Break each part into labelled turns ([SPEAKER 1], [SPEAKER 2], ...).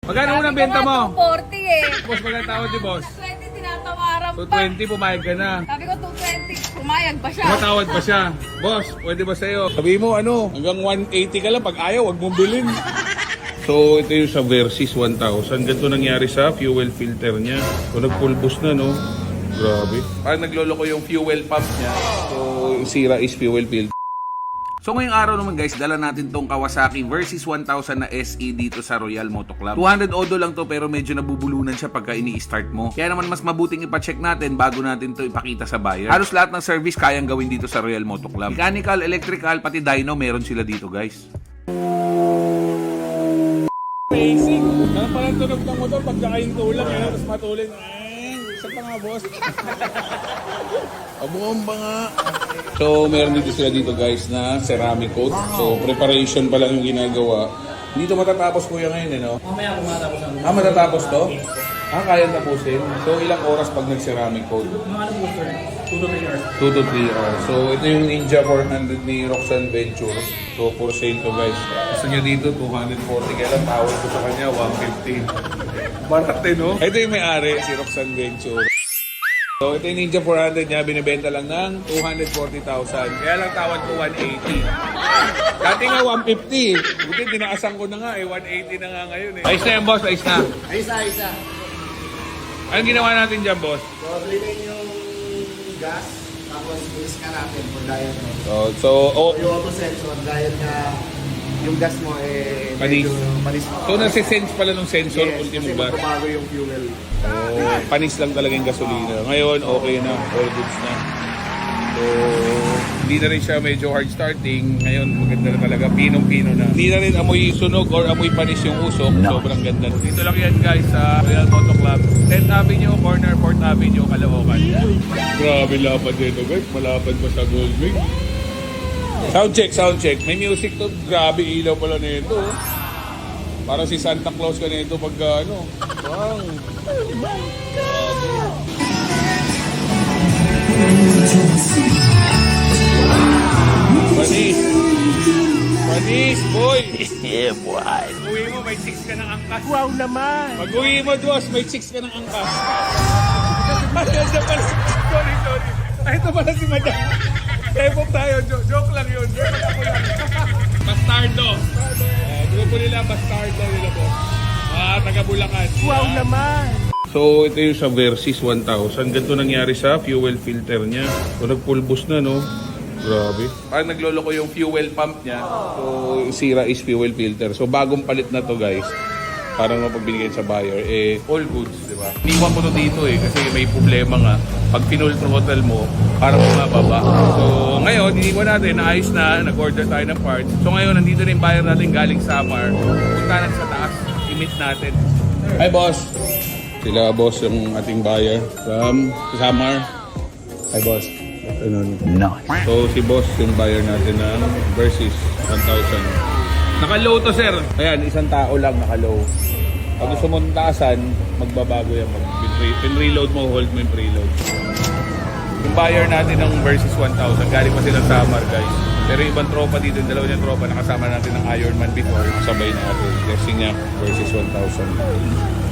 [SPEAKER 1] Magkano unang benta mo?
[SPEAKER 2] 240 eh.
[SPEAKER 1] Boss, magkano tawad ni boss?
[SPEAKER 2] 20 tinatawaran pa.
[SPEAKER 1] 220, pumayag ka na.
[SPEAKER 2] Sabi ko 220, pumayag pa siya.
[SPEAKER 1] Matawad pa siya. Boss, pwede ba sa'yo? Sabi mo ano, hanggang 180 ka lang. Pag ayaw, wag mong bilhin. So, ito yung sa Versys 1000. Ganito nangyari sa fuel filter niya. So, nagpulbos na, no? Grabe. Parang nagloloko yung fuel pump niya. So, yung sira is fuel filter. So ngayong araw naman guys, dala natin tong Kawasaki Versys 1000 na SE dito sa Royal Moto Club. 200 odo lang to pero medyo nabubulunan siya pagka ini-start mo. Kaya naman mas mabuting ipacheck natin bago natin to ipakita sa buyer. Halos lahat ng service kayang gawin dito sa Royal Moto Club. Mechanical, electrical, pati dyno meron sila dito guys. Basic. Ano parang tunog ng motor pag nakain tulang eh, tapos matulin. Isa pa nga boss. Abong ba nga? So, meron dito sila dito guys na ceramic coat. So, preparation pa lang yung ginagawa. Hindi to matatapos kuya ngayon eh, no?
[SPEAKER 3] Mamaya kung matapos ang
[SPEAKER 1] Matatapos to? Kaya tapusin. So, ilang oras pag nag-ceramic coat?
[SPEAKER 3] mga ano po sir, 2 to 3 hours.
[SPEAKER 1] 2 to 3 hours. So, ito yung Ninja 400 ni Roxanne Venture. So, for sale to guys. Gusto niya dito, 240. Kaya lang tawad ko sa kanya, 150. Barate, no? Ito yung may-ari, si Roxanne Venture. So, ito yung Ninja 400 niya, binibenta lang ng 240,000. Kaya lang tawad ko 180. Dati nga 150. Buti, tinaasan ko na nga eh. 180 na nga ngayon eh. Ayos na yan, boss. Ayos na.
[SPEAKER 4] Isa.
[SPEAKER 1] Anong ginawa natin dyan, boss?
[SPEAKER 4] So, bilhin yung gas, tapos bilis ka natin for diet mo. Yung auto sensor, dahil na yung gas mo eh
[SPEAKER 1] Panis.
[SPEAKER 4] medyo panis mo.
[SPEAKER 1] So, nasi-sense pala ng sensor,
[SPEAKER 4] Yes,
[SPEAKER 1] ultimo
[SPEAKER 4] kasi
[SPEAKER 1] ba?
[SPEAKER 4] magbabago yung fuel.
[SPEAKER 1] Oh, panis lang talaga yung gasolina. Ngayon, okay na. All goods na. So, hindi na rin siya medyo hard starting. Ngayon, maganda na talaga. Pinong-pino na. Hindi na rin amoy sunog or amoy panis yung usok. Sobrang ganda. Dito lang yan guys sa Royal Moto Club. 10th Avenue, corner 4th Avenue, Caloocan. Grabe lapad dito guys. Malapad pa sa Goldwing. Sound check. May music to. Grabe ilaw pala nito. Parang si Santa Claus ka nito pag ano. Wow. Panis, boy!
[SPEAKER 5] Yeah, boy.
[SPEAKER 1] Pag-uwi mo, may 6 ka ng angkas.
[SPEAKER 5] Wow naman.
[SPEAKER 1] Pag-uwi mo, Diyos, may 6 ka ng angkas. Sorry. Ay, ito pala si Madam. Tepok tayo, joke lang yun. Bastardo. Grupo nila, Bastardo nila po. Taga Bulacan.
[SPEAKER 5] Wow naman.
[SPEAKER 1] So, ito yung sa Versys 1000. Ganito nangyari sa fuel filter niya. So, nagpulbos na, no? Grabe. Parang nagloloko yung fuel pump niya. So, yung sira is fuel filter. So, bagong palit na to guys. Parang mapagbinigay sa buyer. Eh, all goods, di ba? Iniwan ko to dito eh. Kasi may problema nga. Pag pinull throttle mo, parang bumababa. So, ngayon, iniwan natin. Naayos na. Nag-order tayo ng parts. So, ngayon, nandito na yung buyer natin galing Samar. Punta na sa taas. I-meet natin. Hi, boss. Sila, boss, yung ating buyer from Samar. Hi, boss.
[SPEAKER 5] Nice.
[SPEAKER 1] So, si boss yung buyer natin ng Versys 1000. Naka-low to, sir. Ayan, isang tao lang naka-low. Pag gusto mo taasan, magbabago yan. Pin-reload mo, hold mo yung preload. Yung buyer natin ng Versys 1000, galing pa silang Samar, guys. Pero yung ibang tropa dito, yung dalawa niyang tropa, nakasama natin ng Ironman before. Sabay natin. Testing niya, Versys 1000.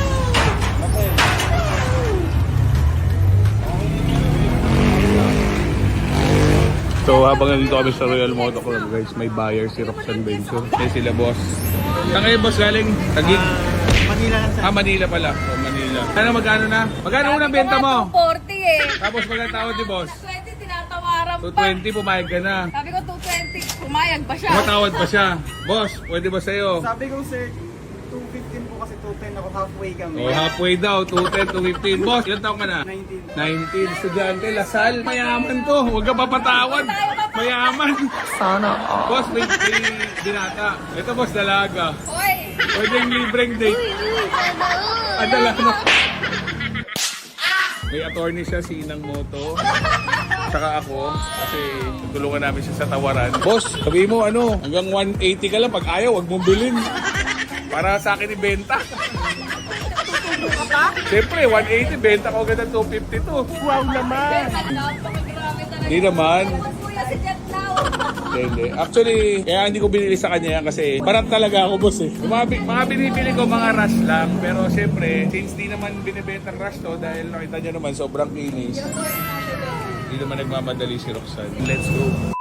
[SPEAKER 1] So habang nandito kami sa Royal Moto Club guys, may buyer si Roxanne Venture. Kaya sila boss. Saan kayo boss galing? Taguig?
[SPEAKER 4] Manila lang sa
[SPEAKER 1] Manila pala. Oh, Manila. Ano magkano na? Magkano unang benta mo?
[SPEAKER 2] 240 eh.
[SPEAKER 1] Tapos magkano tawad ni boss?
[SPEAKER 2] 20 tinatawaran pa.
[SPEAKER 1] 220, pumayag ka na.
[SPEAKER 2] Sabi ko 220, pumayag pa siya.
[SPEAKER 1] Matawad pa siya. Boss, pwede ba sa'yo?
[SPEAKER 4] Sabi ko sir, 215 po kasi 210 ako, halfway kami.
[SPEAKER 1] Oh, halfway daw, 210 to 15. Boss, ilan taon ka na?
[SPEAKER 4] 19.
[SPEAKER 1] 19. Estudyante, Lasal. Mayaman to. Huwag ka papatawad. Mayaman.
[SPEAKER 5] Sana all.
[SPEAKER 1] Boss, may binata. Ito boss, dalaga.
[SPEAKER 2] Hoy!
[SPEAKER 1] Pwedeng libreng date. Adala na. May attorney siya, si Inang Moto. Saka ako, kasi tulungan namin siya sa tawaran. Boss, sabi mo ano, hanggang 180 ka lang. Pag ayaw, wag mong bilhin. Para sa akin ibenta. Siyempre, 180, benta ko agad ng 252.
[SPEAKER 5] Wow naman.
[SPEAKER 2] Napakagrabe talaga.
[SPEAKER 1] Hindi naman.
[SPEAKER 2] Kuya si Jet Lao.
[SPEAKER 1] Hindi. Actually, kaya hindi ko binili sa kanya yan kasi parang talaga ako, boss eh. Yung mga binibili ko, mga rush lang. Pero syempre, since di naman binibenta rush to, dahil nakita nyo naman, sobrang kinis. Hindi naman nagmamadali si Roxanne. Let's go.